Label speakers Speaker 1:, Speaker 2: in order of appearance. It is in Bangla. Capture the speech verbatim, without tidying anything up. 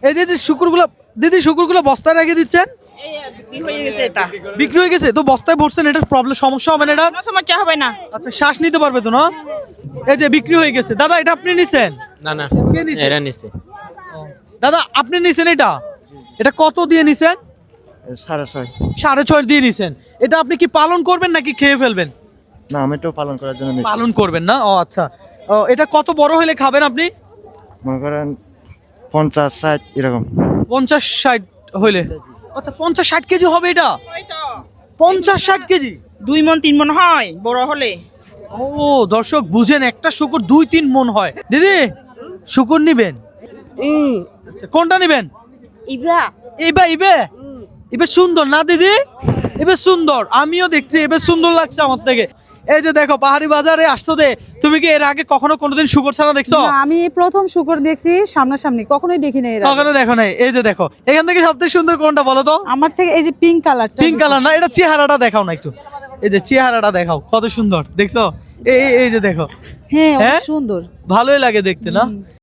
Speaker 1: এই যে যে শুকুরগুলো দিদি শুকুরগুলো বস্তায় রেখে দিচ্ছেন, বিক্রি হয়ে গেছে তো বস্তায় ভরছেন, এটা প্রবলেম সমস্যা হবে না? এটা
Speaker 2: সমস্যা হবে না।
Speaker 1: আচ্ছা শ্বাস নিতে পারবে তো না? এই যে বিক্রি হয়ে গেছে। দাদা এটা আপনি নিছেন?
Speaker 3: না না,
Speaker 1: কে নিছে?
Speaker 3: এরা নিছে।
Speaker 1: দাদা আপনি নিছেন এটা? এটা কত দিয়ে নিছেন?
Speaker 4: সাড়ে ছয়।
Speaker 1: সাড়ে ছয় দিয়ে নিছেন। এটা আপনি কি পালন করবেন নাকি খেয়ে ফেলবেন?
Speaker 4: না, আমি তো পালন করার জন্য নিচ্ছি।
Speaker 1: পালন করবেন না, ও আচ্ছা। ও, এটা কত বড় হলে খাবেন আপনি?
Speaker 4: মনে করেন পঞ্চাশ ষাট এরকম।
Speaker 1: পঞ্চাশ ষাট হইলে, আচ্ছা পঞ্চাশ ষাট কেজি হবে এটা? পঞ্চাশ ষাট কেজি?
Speaker 2: দুই মন তিন মন হয় বড় হলে।
Speaker 1: ও দর্শক বুঝেন, একটা শুকুর দুই তিন মন হয়। দিদি শুকুর নিবেন? আচ্ছা কোনটা নিবেন?
Speaker 2: ইব্রা
Speaker 1: ইবে ইবে ইবে সুন্দর না দিদি? এবার সুন্দর, আমিও দেখছি এবার সুন্দর লাগছে আমার থেকে। এই যে দেখো পাহাড়ি বাজারে আসছো দে, তুমি কি এর আগে কখনো কোনোদিন শুকর ছানা দেখছো?
Speaker 5: না, আমি প্রথম শুকর দেখছি সামনাসামনি, কখনোই দেখি নাই এর আগে।
Speaker 1: কখনো দেখো নাই? এই যে দেখো, এখান থেকে সবথেকে সুন্দর কোনটা বলো তো?
Speaker 5: আমার থেকে এই যে পিঙ্ক কালারটা,
Speaker 1: পিঙ্ক কালার না, এটা চেহারাটা দেখাও না একটু। এই যে চেহারাটা দেখাও, কত সুন্দর দেখছো? এই এই- এই যে দেখো,
Speaker 5: হ্যাঁ অনেক
Speaker 1: হ্যাঁ?
Speaker 5: সুন্দর।
Speaker 1: ভালোই লাগে দেখতে না?